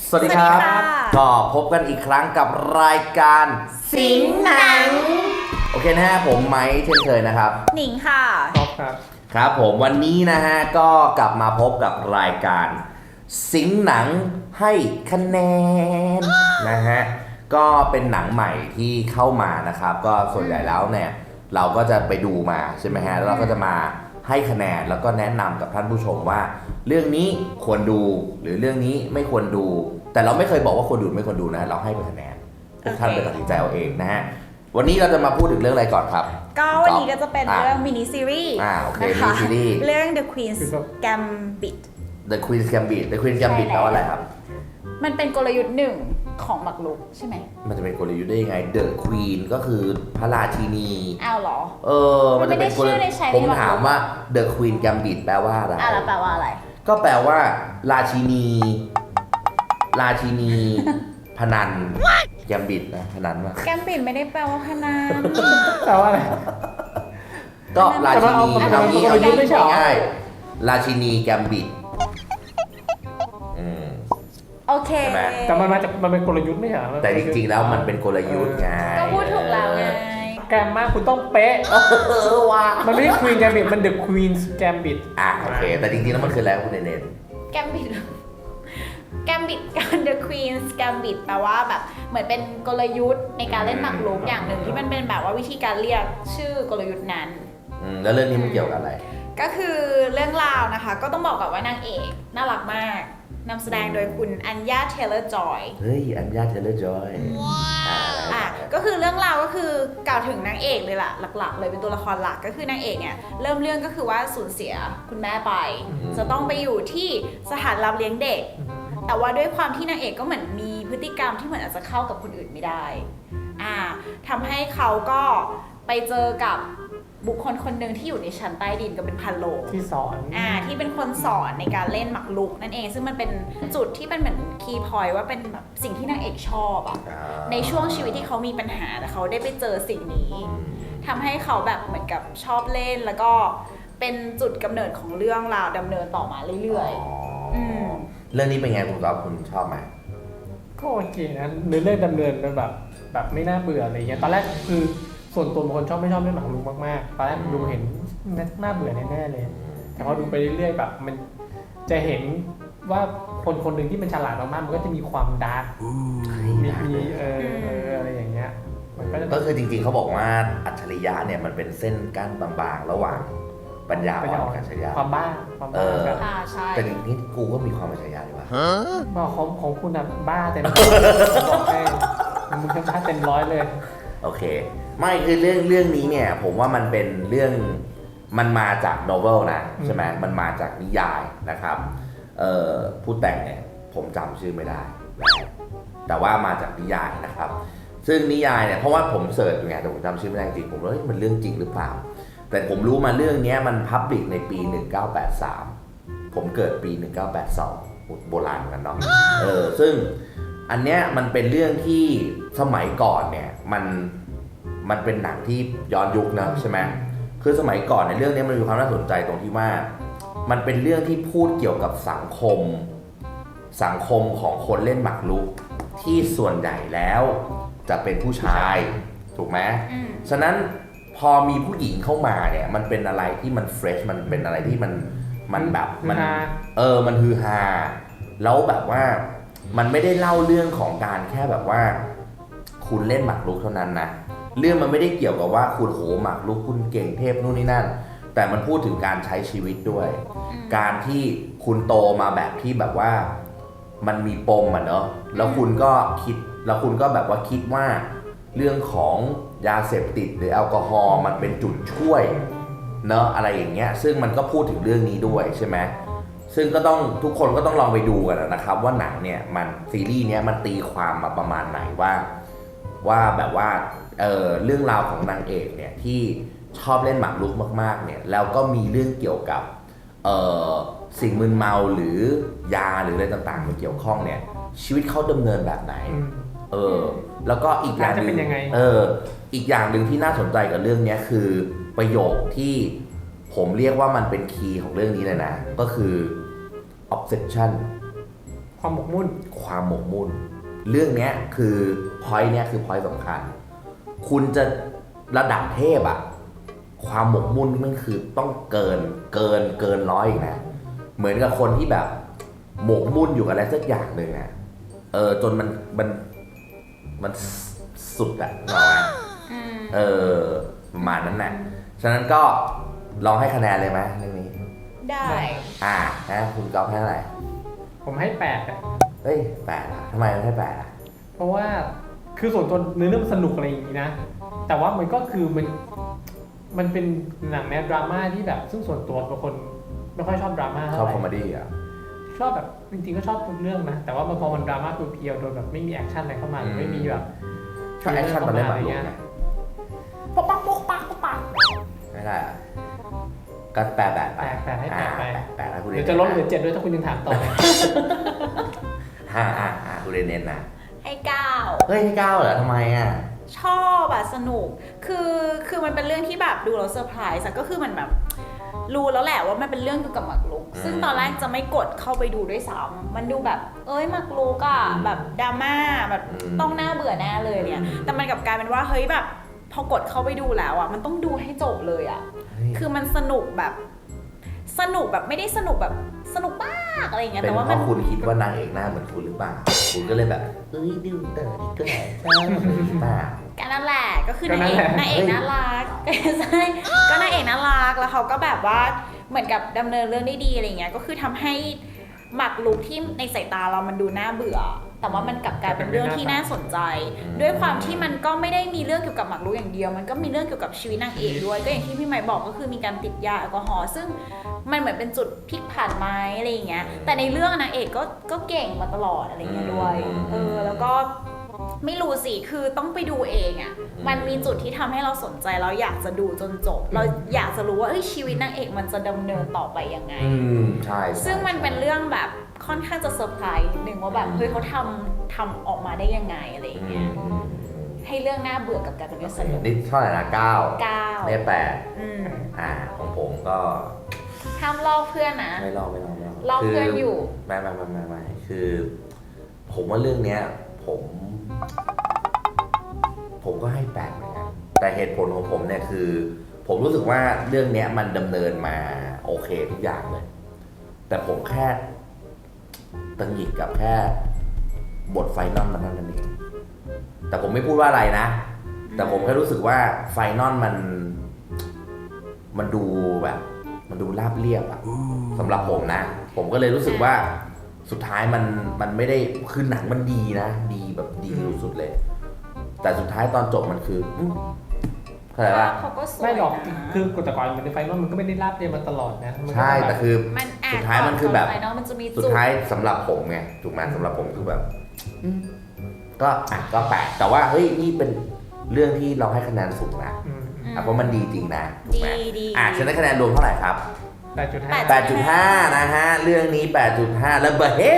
สวัสดีครับก็พบกันอีกครั้งกับรายการสิงหนังโอเคนะฮะผมไมค์เช่นเคยนะครับหนิงค่ะท็อปครับครับผมวันนี้นะฮะก็กลับมาพบกับรายการสิงหนังให้คะแนนนะฮะก็เป็นหนังใหม่ที่เข้ามานะครับก็ส่วนใหญ่แล้วเนี่ยเราก็จะไปดูมาใช่ไหมฮะแล้วเราก็จะมาให้คะแนนแล้วก็แนะนำกับท่านผู้ชมว่าเรื่องนี้ควรดูหรือเรื่องนี้ไม่ควรดูแต่เราไม่เคยบอกว่าควรดูไม่ควรดูนะเราให้เป็นคะแนนทุกท่านไปตัดสินใจเอาเองนะฮะวันนี้เราจะมาพูดถึงเรื่องอะไรก่อนครับก็วันนี้ก็จะเป็นเรื่องมินิซีรีส์โอเคมินิซีรีส์เรื่อง The Queen's Gambit The Queen's Gambit The Queen's Gambit แปลว่าอะไรครับมันเป็นกลยุทธ์หนึ่งของหมากรุกใช่ไหมมันจะเป็นกลยุทธ์ได้ยังไง The Queen ก็คือพระราชินีอ้าวเหรอมันจะเป็นกลยุทธ์ผมถามว่า The Queen Gambit แปลว่าอะไรแล้วแปลว่าอะไรก็แปลว่าราชินีพนันแกมบิดนะพนันว่าแกมบิดไม่ได้แปลว่าพนันแปลว่าอะไรก็ราชินีเอางี้ง่ายราชินีแกมบิดโอเคแต่มันเป็นกลยุทธ์ไม่ใช่แต่จริงๆแล้วมันเป็นกลยุทธ์ไงก็พูดถูกแล้วไงแกมมากคุณต้องเป๊ะว่ามันไม่ใช่ Queen Gambit มัน The Queen's Gambit โอเคแต่จริงๆแล้วมันคืออะไรคุณเนนแกมบิดการ The Queen's Gambit แปลว่าแบบเหมือนเป็นกลยุทธ์ในการเล่นหมากรุกอย่างหนึ่งที่มันเป็นแบบว่าวิธีการเรียกชื่อกลยุทธ์นั้นแล้วเรื่องนี้มันเกี่ยวกับอะไรก็คือเรื่องราวนะคะก็ต้องบอกก่อนว่านางเอกน่ารักมากนำแสดงโดยคุณอัญญาเทเลอร์จอยเฮ้ยอัญญาเทเลอร์จอยก็คือเรื่องราวก็คือกล่าวถึงนางเอกเลยล่ะหลักๆเลยเป็นตัวละครหลักก็คือนางเอกเนี่ยเริ่มเรื่องก็คือว่าสูญเสียคุณแม่ไปจะต้องไปอยู่ที่สถานรับเลี้ยงเด็กแต่ว่าด้วยความที่นางเอกก็เหมือนมีพฤติกรรมที่เหมือนอาจจะเข้ากับคนอื่นไม่ได้ทำให้เขาก็ไปเจอกับบุคคลคนหนึ่งที่อยู่ในชั้นใต้ดินก็เป็นพันโลงที่สอนที่เป็นคนสอนในการเล่นหมากรุกนั่นเองซึ่งมันเป็นจุดที่เป็นเหมือนคีย์พอยต์ว่าเป็นแบบสิ่งที่นางเอกชอบในช่วงชีวิตที่เขามีปัญหาแต่เขาได้ไปเจอสิ่งนี้ทำให้เขาแบบเหมือนกับชอบเล่นแล้วก็เป็นจุดกำเนิดของเรื่องราวดำเนินต่อมาเรื่อยเรื่องนี้เป็นไงคุณก๊อฟคุณชอบไหมก็โอเคนะเรื่องดำเนินแบบไม่น่าเบื่ออะไรเงี้ยตอนแรกคือส่วนตัวเป็นคนไม่ชอบเล่นหมากรุกมากๆตอนแรกดูเห็นน่าเบื่อแน่ๆเลยแต่พอดูไปเรื่อยๆแบบมันจะเห็นว่าคนหนึ่งที่มันฉลาดมากๆมันก็จะมีความดาร์กมีอะไรอย่างเงี้ยมันก็คือจริงๆเขาบอกว่าอัจฉริยะเนี่ยมันเป็นเส้นกั้นบางๆระหว่างปัญญาอ่อนกับอัจฉริยะความบ้าใช่แต่จริงๆกูก็มีความอัจฉริยะดีว่าของคุณอะบ้าเต็มบอกให้มึงจะบ้าเต็มร้อยเลยโอเคไม่คือเรื่องนี้เนี่ยผมว่ามันเป็นเรื่องมันมาจากโนเวลนะใช่ไหมมันมาจากนิยายนะครับผู้แต่งเนี่ยผมจำชื่อไม่ได้แต่ว่ามาจากนิยายนะครับซึ่งนิยายเนี่ยเพราะว่าผมเสิร์ชไงแต่ผมจำชื่อไม่ได้จริงผมว่ามันเรื่องจริงหรือเปล่าแต่ผมรู้มาเรื่องนี้มันพับลิกในปี1983ผมเกิดปี1982โบราณกันเนาะซึ่งอันเนี้ยมันเป็นเรื่องที่สมัยก่อนเนี่ยมันเป็นหนังที่ย้อนยุคนะใช่ไหมคือสมัยก่อนในเรื่องนี้มันมีความน่าสนใจตรงที่ว่ามันเป็นเรื่องที่พูดเกี่ยวกับสังคมของคนเล่นหมากรุกที่ส่วนใหญ่แล้วจะเป็นผู้ชายถูกไหมฉะนั้นพอมีผู้หญิงเข้ามาเนี่ยมันเป็นอะไรที่มันเฟรชมันเป็นอะไรที่มันแบบมันฮือฮาแล้วแบบว่ามันไม่ได้เล่าเรื่องของการแค่แบบว่าคุณเล่นหมากรุกเท่านั้นนะเรื่องมันไม่ได้เกี่ยวกับว่าคุณโหหมากรุกคุณเก่งเทพนู่นนี่นั่นแต่มันพูดถึงการใช้ชีวิตด้วยการที่คุณโตมาแบบที่แบบว่ามันมีปมเนอะแล้วคุณก็แบบว่าคิดว่าเรื่องของยาเสพติดหรือแอลกอฮอล์มันเป็นจุดช่วยเนอะอะไรอย่างเงี้ยซึ่งมันก็พูดถึงเรื่องนี้ด้วยใช่ไหมซึ่งก็ต้องทุกคนก็ต้องลองไปดูกันนะครับว่าหนังเนี่ยมันซีรีส์เนี้ยมันตีความมาประมาณไหนว่าแบบว่าเรื่องราวของนางเอกเนี่ยที่ชอบเล่นหมากรุกมากๆเนี่ยแล้วก็มีเรื่องเกี่ยวกับสิ่งมึนเมาหรือยาหรืออะไรต่างๆมาเกี่ยวข้องเนี่ยชีวิตเขาดำเนินแบบไหนแล้วก็อีกอย่างนึงอีกอย่างหนึ่งที่น่าสนใจกับเรื่องนี้คือประโยคที่ผมเรียกว่ามันเป็นคีย์ของเรื่องนี้เลยนะก็คือ obsession ความหมกมุ่นความหมกมุ่นเรื่องเนี้ยคือพอยต์เนี้ยคือพอยต์สำคัญคุณจะระดับเทพอะความหมกมุ่นมันคือต้องเกินร้อยอีกนะเหมือนกับคนที่แบบหมกมุ่นอยู่กับอะไรสักอย่างหนึ่งอะจนมันสุดอะหรอไหมประมาณนั้นน่ะฉะนั้นก็ลองให้คะแนนเลยไหมเรื่องนี้ได้นะคุณก๊อฟให้เท่าไหร่ผมให้8อ่ะเฮ้ย8อะทำไมมันให้8อะเพราะว่าคือส่วนตัวเนื้อเรื่องมันสนุกอะไรอย่างนี้นะแต่ว่ามันก็คือมันเป็นหนังแนวดราม่าที่แบบซึ่งส่วนตัวเป็นคนไม่ค่อยชอบดราม่าชเท่าอบไหร่คอมเมดี้อ่ะชอบแบบจริงๆก็ชอบทุกเรื่องนะแต่ว่าพอมันดราม่าเพียวๆโดยแบบไม่มีแอคชั่นอะไรเข้ามาหรือไม่มีแบบชอบแอคชั่นตอนเล่นหมากรุกไงปกปักปกปักปกปักไม่ได้อะก็8ให้แปลกให้แปลกไป 8แล้วคุณเรเดี๋ยนวจะลดเหลือ7ด้วยถ้าคุณยังถามต่อคุณเรนเน้นนะให้เก้าเฮ้ยให้9เหรอทำไมอ่ะชอบอะสนุกคือมันเป็นเรื่องที่แบบดูแล้วเซอร์ไพรส์อะก็คือมันแบบรู้แล้วแหละว่ามันเป็นเรื่องเกี่ยวกับหมากรุกซึ่งตอนแรกจะไม่กดเข้าไปดูด้วยซ้ำมันดูแบบหมากรุกอะแบบดราม่าแบบต้องน่าเบื่อแน่เลยเนี่ยแต่มันกลับกลายเป็นว่าเฮ้ยแบบพอกดเข้าไปดูแล้วอะมันต้องดูให้จบเลยอะคือมันสนุกแบบไม่ได้สนุกแบบสนุกมากอะไรอย่างเงี้ยเป็นแต่ว่าเพมันราะคุณคิดว่านางเอกหน้าเหมือนคุณหรือเปล่าคุณก็เลยแบบดูเตอร์ดิก็แหละใช่หรือเปล่าก็นั่นแหละก็คือนางเอกน่ารักใช่ก็นางเอกน่ารักแล้วเขาก็แบบว่าเหมือนกับดำเนินเรื่องได้ดีอะไรเงี้ยก็คือทำให้หมากรุกที่ในสายตาเรามันดูน่าเบื่อ แต่ว่ามันกลับกลายเป็นเรื่องที่น่าสนใจ ด้วยความที่มันก็ไม่ได้มีเรื่องเกี่ยวกับหมากรุกอย่างเดียวมันก็มีเรื่องเกี่ยวกับชีวิตนางเอกด้วยก็อย่างที่พี่ไมค์บอกก็คือมีการติดยาแอลกอฮอล์ซึ่งมันเหมือนเป็นจุดพลิกผันไหมอะไรอย่างเงี้ยแต่ในเรื่องนางเอกก็เก่งมาตลอดอะไรเงี้ยด้วยแล้วก็ไม่รู้สิคือต้องไปดูเองอ่ะมันมีจุดที่ทำให้เราสนใจเราอยากจะดูจนจบเราอยากจะรู้ว่าชีวิตนางเอกมันจะดำเนินต่อไปยังไงใช่ซึ่งมันเป็นเรื่องแบบค่อนข้างจะเซอร์ไพรส์หนึ่งว่าแบบเฮ้ยเขาทำออกมาได้ยังไงอะไรอย่างเงี้ยให้เรื่องน่าเบื่อกับการเป็นเรื่องสนุกนี่เท่าไหร่นะ9เนี่ย8ของผมก็ห้ามลอกเพื่อนนะไม่ลอกลอกเพื่อนอยู่ไม่คือ ผมว่าเรื่องเนี้ยผมก็ให้8เหมือนกันแต่เหตุผลของผมเนี่ยคือ ผมรู้สึกว่าเรื่องเนี้ยมันดำเนินมาโอเคทุกอย่างเลยแต่ผมแค่ตังหงิดกับแค่บทไฟนอลมันนั่นเองแต่ผมไม่พูดว่าอะไรนะแต่ผมแค่รู้สึกว่าไฟนอลมันดูแบบมันดูราบเรียบอะสำหรับผมนะผมก็เลยรู้สึกว่าสุดท้ายมันไม่ได้คือหนังมันดีนะดีแบบดีสุดๆเลยแต่สุดท้ายตอนจบมันคือเข้าใจป่ะเขาก็สวยไม่หรอกนะคือกฎตะกอนมันในไฟนอลมันก็ไม่ได้ราบเรียนมาตลอดนะมันก็ใช่แต่คือมันสุดท้ายมันคือแบบไฟนอลมันจะมีสุดท้ายสำหรับผมไงถูกไหมสำหรับผมคือแบบก็แปลกแต่ว่าเฮ้ยนี่เป็นเรื่องที่เราให้คะแนนสูงนะเพราะมันดีจริงนะถูกไหมฉันได้คะแนนรวมเท่าไหร่ครับ 8.5 นะฮะเรื่องนี้ 8.5 แล้วเบอร์เฮ้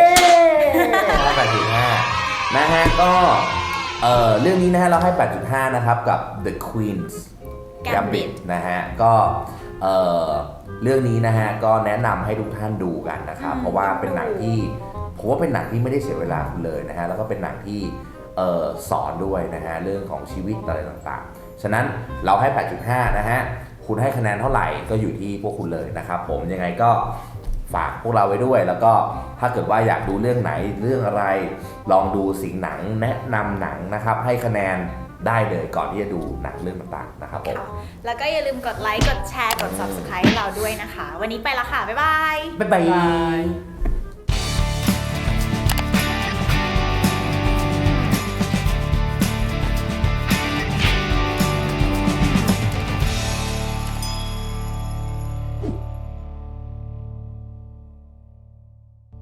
8.5 นะฮะก็เรื่องนี้นะฮะเราให้ 8.5 นะครับกับ The Queen's Gambit นะฮะก็เรื่องนี้นะฮะก็แนะนำให้ทุกท่านดูกันนะครับเพราะว่าเป็นหนังที่ผมว่าเป็นหนังที่ไม่ได้เสียเวลาคุณเลยนะฮะแล้วก็เป็นหนังที่สอนด้วยนะฮะเรื่องของชีวิตอะไรต่างๆฉะนั้นเราให้ 8.5 นะฮะคุณให้คะแนนเท่าไหร่ก็อยู่ที่พวกคุณเลยนะครับผมยังไงก็ฝากพวกเราไว้ด้วยแล้วก็ถ้าเกิดว่าอยากดูเรื่องไหนเรื่องอะไรลองดูสิ่งหนังแนะนำหนังนะครับให้คะแนนได้เลยก่อนที่จะดูหนังเรื่องต่างๆนะครับผมแล้วก็อย่าลืมกดไลค์กดแชร์กด Subscribe ให้เราด้วยนะคะวันนี้ไปละค่ะบ๊ายบายบ๊ายบาย